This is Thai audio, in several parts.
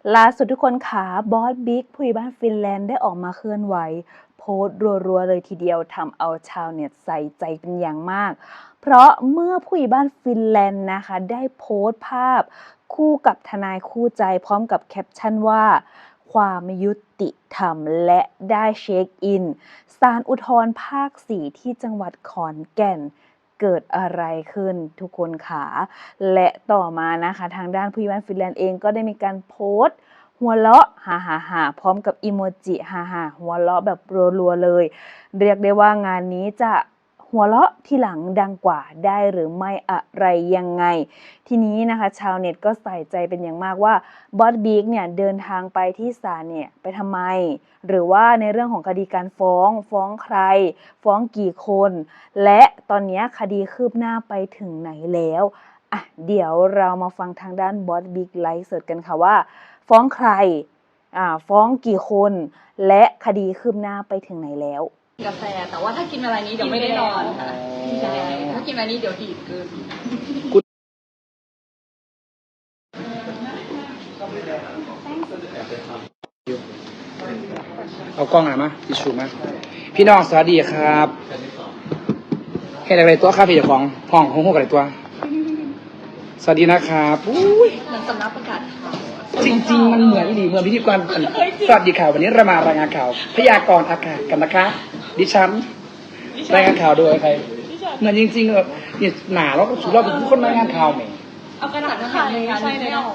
ล่าสุดทุกคนขาบอสบิ๊กผู้ใหญ่บ้านฟินแลนด์ได้ออกมาเคลื่อนไหวโพสต์รัวๆเลยทีเดียวทำเอาชาวเน็ตใส่ใจเป็นอย่างมากเพราะเมื่อผู้ใหญ่บ้านฟินแลนด์นะคะได้โพสต์ภาพคู่กับทนายคู่ใจพร้อมกับแคปชั่นว่าความยุติธรรมและได้เช็คอินศาลอุทธรณ์ภาค 4ที่จังหวัดขอนแก่นเกิดอะไรขึ้นทุกคนขาและต่อมานะคะทางด้านผู้ใหญ่บ้านฟินแลนด์เองก็ได้มีการโพสต์หัวเราะฮ่าพร้อมกับอีโมจิฮ่าหัวเราะแบบรัวๆเลยเรียกได้ว่างานนี้จะหัวเราะที่หลังดังกว่าได้หรือไม่อะไรยังไงทีนี้นะคะชาวเน็ตก็ใส่ใจเป็นอย่างมากว่าบอสบิ๊กเนี่ยเดินทางไปที่ศาลเนี่ยไปทำไมหรือว่าในเรื่องของคดีการฟ้องใครฟ้องกี่คนและตอนนี้คดีคืบหน้าไปถึงไหนแล้วเดี๋ยวเรามาฟังทางด้านบอสบิ๊กไลฟ์สดกันค่ะว่าฟ้องใครฟ้องกี่คนและคดีคืบหน้าไปถึงไหนแล้วกาแฟแต่ว่าถ้ากินเวลานี้เดี๋ยวไม่ได้นอนค่ะใช่ถ้ากินเวลานี้เดี๋ยวดีดเกินเอากล้องหน่อยมาทิชชู่มาพี่น้องสวัสดีครับเห็นอะไรตัวครับพี่เจ้าของห้องห้องอะไรตัวสวัสดีนะครับอุ้ยเหมือนสำนักประกาศข่าวจริงๆมันเหมือนดีเหมือนพิธีกรสวัสดีข่าววันนี้เรามารายงานข่าวพยากรณ์อากาศกันนะคะดิฉันรายงานข่าวโดยใครเหมือนจริงๆแบบเนี่ยหนาแล้วก็สุดเราเป็นทุกคนรายงานข่าวไหมเอากระดาษมาทำเลยใช่เลยเนาะ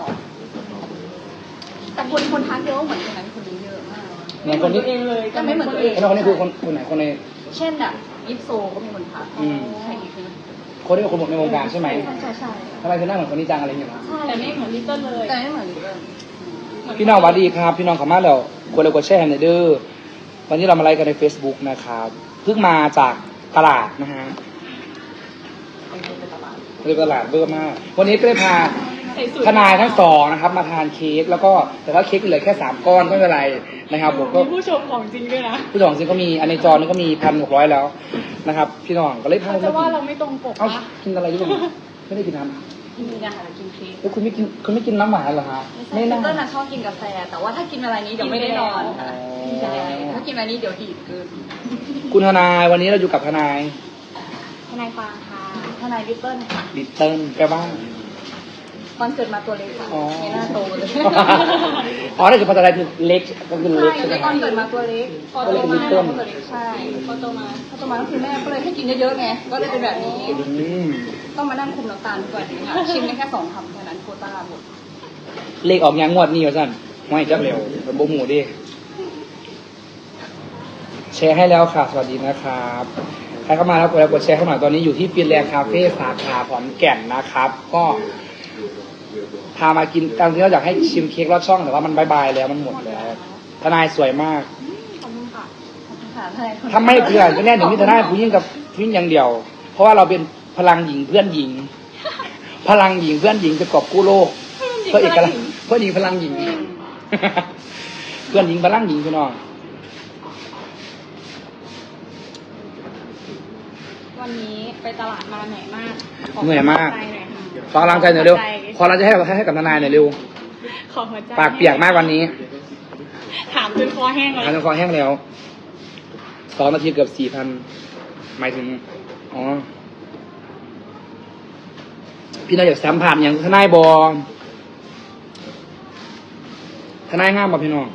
แต่คนทักเยอะเหมือนคนนั้นคนนี้เยอะมากเหมือนคนนี้เองเลยก็ไม่เหมือนตัวเองแล้วคนนี้คือคนไหนคนในเช่นแบบยิปโซก็มีคนทักใครอีกคนที่เป็นคนในวงการใช่ไหมใช่ทำไมเธอหน้าเหมือนคนนี้จังอะไรอย่างเงี้ยแต่ไม่เหมือนลิตเติ้ลเลยแต่ไม่เหมือนลิตเติ้ลพี่น้องสวัสดีครับพี่น้องขอมาแล้วกดแชร์ในเด้อวันนี้เรามาไลฟ์กันใน Facebook นะครับเพิ่งมาจากตลาดนะฮะไปตลาดเบอร์มากวันนี้ก็ได้พาทนายทั้งสองนะครับมาทานเค้กแล้วก็แต่ว่าเค้กเหลือแค่3ก้อนไม่เป็นไรนะครับผมก็ผู้ชมของจริงด้วยนะผู้ชมจริงก็มีอันในจอนี่ก็มี1,600แล้วนะครับพี่น้องก็เลยพาจะว่าเราไม่ตรงปกเอ้ากินอะไรด้วยไม่ได้กินน้ำกินนะคะกินเค้กแล้วคุณไม่กินน้ำหวานเหรอฮะไม่น่าต้นชอบกินกาแฟแต่ว่าถ้ากินเวลานี้เดี๋ยวไม่ได้นอนค่ะใช่ถ้ากินเวลานี้เดี๋ยวดีดเกินคุณทนายวันนี้เราอยู่กับทนายฟางค่ะทนายลิตเติ้ลค่ะลิตเติ้ลแปลว่าตอนเกิดมาตัวเล็กค่ะไม่น่าโตเลยถ้าเกิดพอตอนแรกคือเล็กก็คือเล็กใช่ไหมตอนเกิดมาตัวเล็กพอโตมาตัวเล็กใช่พอโตมาก็คือแม่ก็เลยให้กินเยอะๆไงก็เลยเป็นแบบนี้ต้องมานั่งคุมน้ำตาลทุกวันนี้ค่ะชิมได้แค่2 คำแค่นั้นโควต้าหมดเลขออกยังงวดนี้วะสั้นไม่จับเร็วเป็นโบหมูดิแชร์ให้แล้วค่ะสวัสดีนะครับใครเข้ามาแล้วกดแชร์เข้ามาตอนนี้อยู่ที่ฟินแลนด์คาเฟ่สาขาขอนแก่นนะครับก็พามากินตามที่เราอยากให้ชิมเค้กรอดช่องแต่ว่ามันบายแล้วมันหมดแล้วทนายสวยมากขอบคุณค่ะทำไม่เพื่อนก็แน่หนึ่งที่ทนายผู้หญิงกับผู้หญิงอย่างเดียวเพราะว่าเราเป็นพลังหญิงเพื่อนหญิงพลังหญิงเพื่อนหญิงจะกอบกู้โลกเพื่อเอกลักษณ์เพื่อนหญิงพลังหญิงเพื่อนหญิงพลังหญิงพี่น้องวันนี้ไปตลาดมาเหนื่อยมากเหนื่อยมากขอกำลังใจหน่อยเร็วขอเราจะให้กับทนายหน่อยเร็วปากเปียกมากวันนี้ถามจนคอแห้งแล้วถามจนคอแห้งแล้ว2 นาทีเกือบ 4,000หมายถึงอ๋อพี่น้องอยากสัมผัสอย่างทนายบอทนายงามบ่พี่น้อง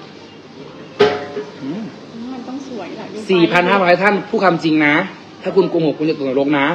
มันต้องสวยแหละ 4,500 ท่านผู้คำจริงนะถ้าคุณโกหกคุณจะตกนรกนะ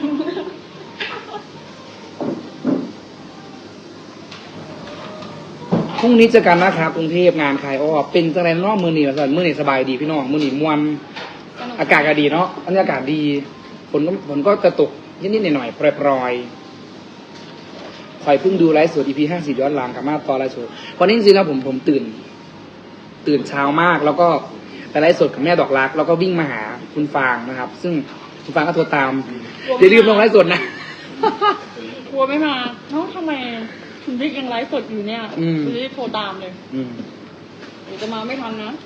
พรุ่งนี้เจอกันนะครับกรุงเทพงานใครเป็นจังไรนอกมือหนีมาสั่นมือหนีสบายดีพี่น้องมือหนีมวนอากาศก็ดีเนาะบรรยากาศดีฝนก็จะตกนิดๆหน่อยๆปล่อยๆคอยเพิ่งดูไลฟ์สด EP 50ย้อนหลังกับมาตอนไลฟ์สดวันนี้จริงๆแล้วผมตื่นเช้ามากแล้วก็ไปไลฟ์สดกับแม่ดอกรักแล้วก็วิ่งมาหาคุณฟางนะครับซึ่งคุณฟางก็โทรตามอย่าลืมลงไลฟ์สดนะกลัวไม่มาเนาะทำไมคุณบิ๊กยังไลฟ์สดอยู่เนี่ยจะได้โทรตามเลยเดี๋ยวจะมาไม่ทันนะ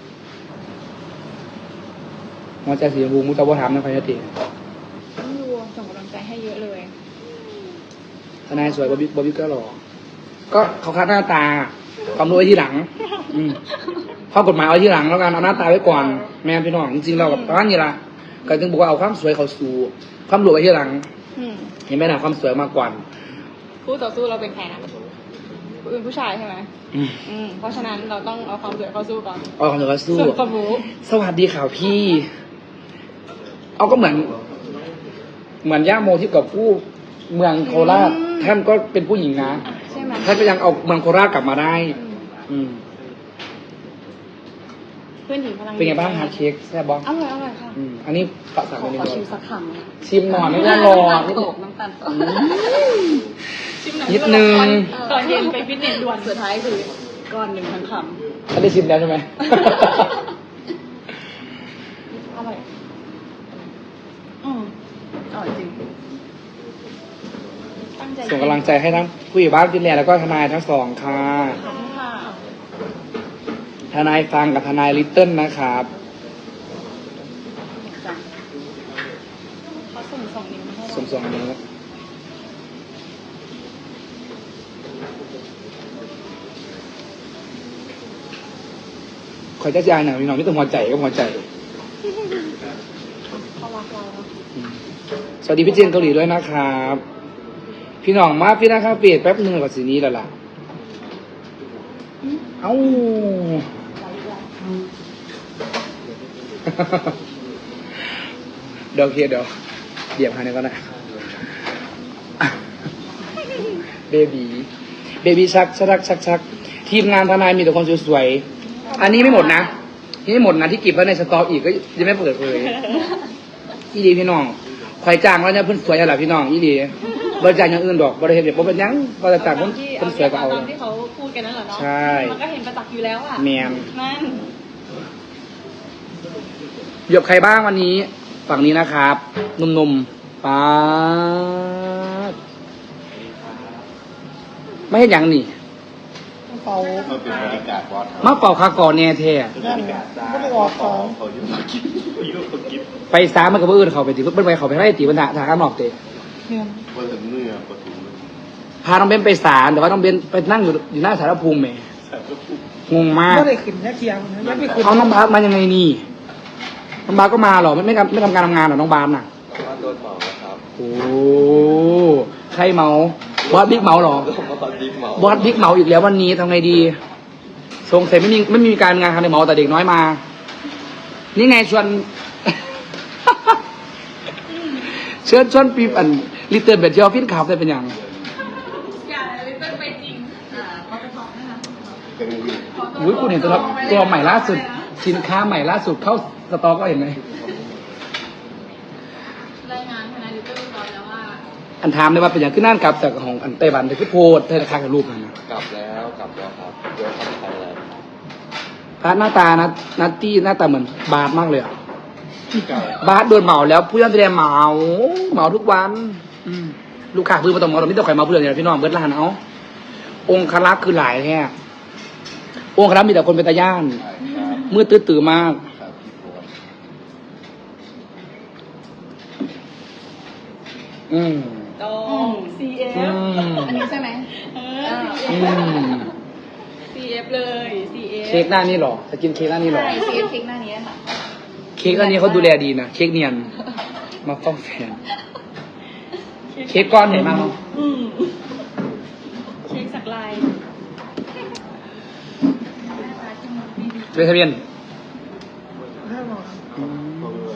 มอใจสีชมพูมุตะวะถามนะพายติต้องดูส่งกำลังใจให้เยอะเลยทนายสวยบอบบี้ก็หล่อก็เขาคัดหน้าตาความรู้ไว้ที่หลัง อืมข้อกฎหมายเอาที่หลังแล้วกันเอาหน้าตาไว้ก่อน แม่พี่น้องจริงๆเราแบบประมาณนี้ละก็จึงบอกว่าเอาความสวยเขาสู่ความรู้ไว้ที่หลังอืมเห็นไหมนะความสวยมากกว่าคู่ต่อสู้เราเป็นใครนะเป็นผู้ชายใช่ไหมอืมเพราะฉะนั้นเราต้องเอาความสวยเข้าสู้ก่อนเอาความสวยเขาสู้ส่วนความรู้สวัสดีข่าวพี่ เอาก็เหมือนย่าโมที่กับผู้เมืองโคราชท่านก็เป็นผู้หญิงนะใช่ไหมท่านก็ยังเอาเมืองโคราชกลับมาได้ อืมเพื่อนหญิงพลังเป็นไงบ้างฮะเค้กแซ่บบ้องอร่อยอร่อยค่ะอันนี้ปะสักขอนิดชินึมงสักคำนะชิมหน่อยไม่ต้องรอน้ำตาลตกน้ำตาลตกชิมหน่อยนิดนึงตอนเย็นไปฟิตเนสด่วนสุดท้ายคือก้อนหนึ่งทั้งคอันได้ชิมแล้วใช่ไหมำอร่อยอร่อยจริงตั้งใจส่งกำลังใจให้ทั้งผู้ใหญ่บ้านฟินแลนด์แล้วก็ทนายทั้งสองค่ะขอบคุณค่ะทนายฟังกับทนายลิตเติ้ลนะครับจ้ะเขาส่ง2 นิ้วมาให้เราส่งนี้คอยจะยายหน่อยพี่น้องไม่ต้องหัวใจก็หัวใจเขารักเราเนอะสวัสดีพี่เจนเกาหลีด้วยนะครับ พี่น้องมาพี่นะครับเปลี่ยนแป๊บนึงกับสีนี้แล้วล่ะ เอ้า เดี๋ยวเดี๋ยวหาหนึ่งก็ได้เบบีชักทีมงานทนายมีแต่คนสวยๆอันนี้ไม่หมดนะนี่ไม่หมดนะที่เก็บไว้ในสต็อกอีกก็ยังไม่เปิดเผยอีดีพี่น้องคอยจ้างแล้วเนี่ยเพิ่นสวยอะไรพี่น้องอีดีบริจาคอย่างอื่นดอกบริเห็นเดี๋ยวผมเป็นหยังบริจาคเพิ่นสวยก็เอาตามที่เขาพูดกันนั่นแหละเนาะใช่มันก็เห็นประจักษ์อยู่แล้วอ่ะแมนนั่นเหยียบใครบ้างวันนี้ ฝั่งนี้นะครับหนุ่มๆป๊าดไม่เห็นหยังนี่เขาก็เป็นบริการบอสมาเป่าคาก่อนแน่แท้นั่นไม่ได้ออกของเขาอยู่มากินเขาอยู่มากินไปซ้ามันกับเอื่นเขาไปตีเพิ่นไปเขาไปให้ตีบรรดาทางข้างนอกเตะเนี่ยบนถึงเนื้อปทุมพาน้องเบนไปศาลแต่ว่าน้องเบนไปนั่งอยู่หน้าสารภูมิแหมแซ่บก็ปุ๊บงงมากไม่ได้ขึ้นแค่เทียงนะไม่ได้ขึ้นเอาน้องบาสมายังไงนี่น้องบาสก็มาเหรอไม่ทำการทำงานเหรอน้องบาสน่ะว่าโดนเหมาแล้วครับโอ้ใครเมาบอสบิ๊กเมาเหรอผมมาตอนดิบเหมาบอสบิ๊กเมาอีกแล้ววันนี้ทำไงดีสงสัยไม่มีการงานทำในเมาแต่เด็กน้อยมา นี่ไงชวน ชวนปีอันลิเติร์นแบบเที่ยวฟินขับได้เป็นอย่างอย่าเลยเป็นไปจริงเขาไปบอกนั่นนะเป็นวิวอุ้ยคุณเห็นตัวใหม่ล่าสุด สินค้าใหม่ล่าสุดเข้าสต็อกก็เห็นไหมรายงานทนายลิตเติ้ลร้อยแล้วว่าอันถามเลยว่าเป็นอย่างขึ้นนั่นกลับจากของอันไต้หวันแต่คือโพดเธอราคากับรูปนั่นนะกลับแล้วครับเดี๋ยวทำไทยแล้วพาร์ทหน้าตานัตตี้หน้าตาเหมือนบาสมากเลยอ่ะกลับบาสโดนเหมาแล้วผู้ย่านแสดงเหมาทุกวันลูกค้าพื้นมาต้องเหมาเราไม่ต้องใครมาเพื่อนเนี่ยพี่น้องเบิร์ดร้านเอาองค์คลักษ์คือหลายแท้องค์คลักษ์มีแต่คนเป็นตาย่านครับมืดตื้อๆมากครับพี่โบ๊ทตรง CF อันนี้ใช่ไหมอืม CF เลย CF เค้กหน้านี่หรอจะกินเค้กหน้านี่หรอใช่ CF เค้กหน้านี้ค่ะเค้กอันนี้เขาดูแลดีนะเค้กเนียนมาฟ้องแฟนเค้กก้อนใหญ่มากเนาะเค้กสักลายเป็นทะเบียนห้าหมอเขาเลย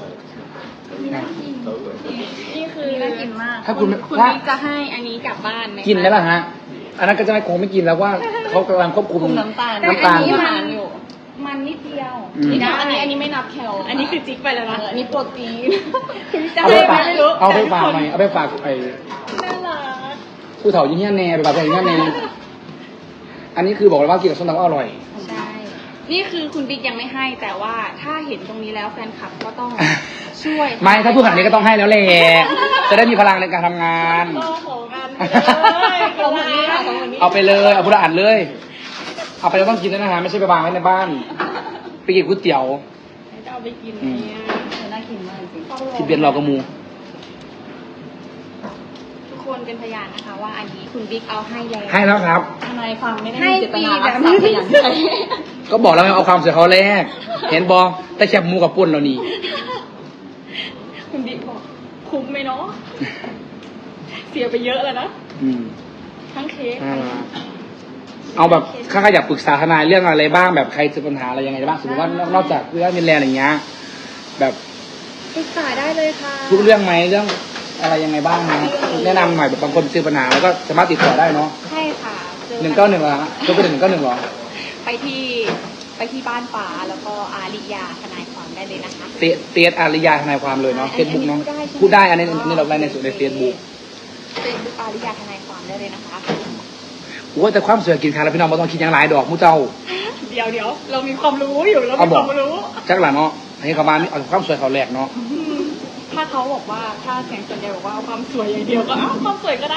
นี่คือน่ากินมากถ้าคุณคุณถ้าบิ๊กจะให้อันนี้กลับบ้านไหมกินได้ป่ะฮะ อันนั้นก็จะไม่คงไม่กินแล้วว่าเขากำลังควบคุมคุมน้ำตาลน้ำตาลอันนี้มันอยู่มันนิดเดียวอืมนิดเดียวอันนี้ไม่นับแคลอันนี้คือจิ๊กไปแล้วนะอันนี้โปรตีนจะเอาไปให้ฝากไม่รู้เอาไปฝากหน่อยเอาไปฝากไปน่ารักผู้เฒ่ายิ่งเงี้ยแน่ไปฝากไปยิ่งเงี้ยแน่อันนี้คือบอกเลยว่ากินกับส้มตำก็อร่อยใช่ นี่คือคุณบิ๊กยังไม่ให้แต่ว่าถ้าเห็นตรงนี้แล้วแฟนคลับก็ต้องช่วยไม่ถ้าพูดขนาดนี้ก็ต้องให้แล้วแหละจะได้มีพลังในการทำงานของกันเลยของคนนี้ค่ะของคนนี้เอาไปเลยเอาพุทธอ่านเลย เอาไปแล้วต้องกินด้วยนะฮะไม่ใช่ไปวางไว้ในบ้าน ไปกินก๋วยเตี๋ยวจะเอาไปกินเนี่ยน่ากินมากจริงที่เบียนเรากระมูทุกคคนเป็นพยานนะคะ ว่าอันนี้คุณบิ๊กเอาให้แล้วให้แล้วครับทนายความไม่ได้ให้มีเจตนารักฟรีทรัพย์แต่อย่างใดก็บอกแล้วไงเอาความสวยเขาแรก เห็นบอแต่แคบหมูกับปุ่นเรานี่คุณบิ๊กบอกคุ้มไหมเนาะเสียไปเยอะแล้วนะอืมทั้งเค้กน่ารักเอาแบบข้าอยากปรึกษาทนายเรื่องอะไรบ้างแบบใครเจอปัญหาอะไรยังไงบ้างสมมติว่านอกจากเรื่องมินแลนด์อย่างเงี้ยแบบปรึกษาได้เลยค่ะทุกเรื่องไหมเรื่องอะไรยังไงบ้างนะแนะนำหน่อยแบบบางคนเจอปัญหาแล้วก็สามารถติดต่อได้เนาะใช่ค่ะจอ 191เหรอฮะก็เป็น191เหรอไปที่บ้านป๋าแล้วก็อาริยาทนายความได้เลยนะคะเตียดอาริยาทนายความเลยเนาะเฟซบุ๊กเนาะพูดได้อันนี้เราไลน์ในส่วนในเฟซบุ๊ก Facebook อาริยาทนายความได้เลยนะคะว่าแต่ความสวยกินขาดแล้วพี่น้องไม่ต้องคิดอย่างไรดอกมูเจ้าเดี๋ยวเรามีความรู้อยู่เราเอามีบคอกวามรู้จักหล่ะเนาะให้เขามานี่เอาความสวยเขาแหลกเนาะถ้าเขาบอกว่าถ้าเสียงส่วนใหญ่บอกว่าเอาความสวยอย่างเดียวก็เอาความสวยก็ได้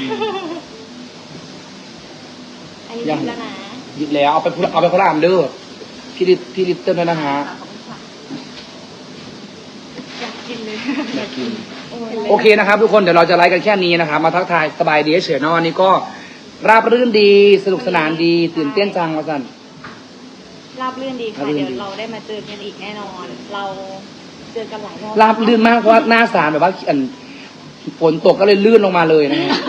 อันนี้ดีแล้วนะหยิบแล้วเอาไปคนละอันเด้อพี่ลิตเติ้ลด้วยนะฮะอยากกินเลยอยากกินโอเคนะครับทุกคนเดี๋ยวเราจะไลฟ์กันแค่นี้นะครับมาทักทายสบายดีเฉยๆเนาะวันนี้ก็ราบรื่นดีสนุกสนานดีตื่นเต้นจังว่าสันราบรื่นดีค่ะราบรื่นดีเดี๋ยวเราได้มาเจอกันอีกแน่นอน เราเจอกันหลายรอบราบลื่นมากเพราะว่าหน้าศาลแบบว่าฝนตกก็เลยลื่นลงมาเลยนะฮะ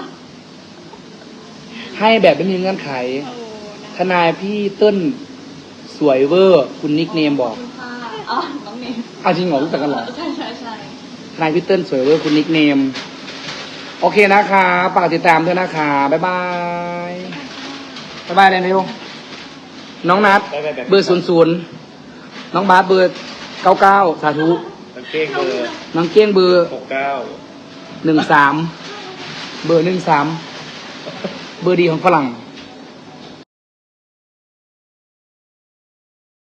ให้แบบไม่มีเงื่อนไขโอ้นะทนายพี่เติ้ลสวยเวอร์คุณนิกเนมบอกอ๋อน้องเนมอ้าวจริงเหรอรู้จักกันเหรอใช่ทนายพี่เติ้ลสวยเวอร์คุณนิกเนมโอเคนะคะฝากติดตามด้วยนะคะบ๊ายบายบ๊ายบายเลยเร็วน้องนัดเบอร์00น้องบาสเบอร์99สาธุกางเกงเบอร์น้องเก้งเบอร์ 69 13เบอร์13เบอร์ดีของฝรั่ง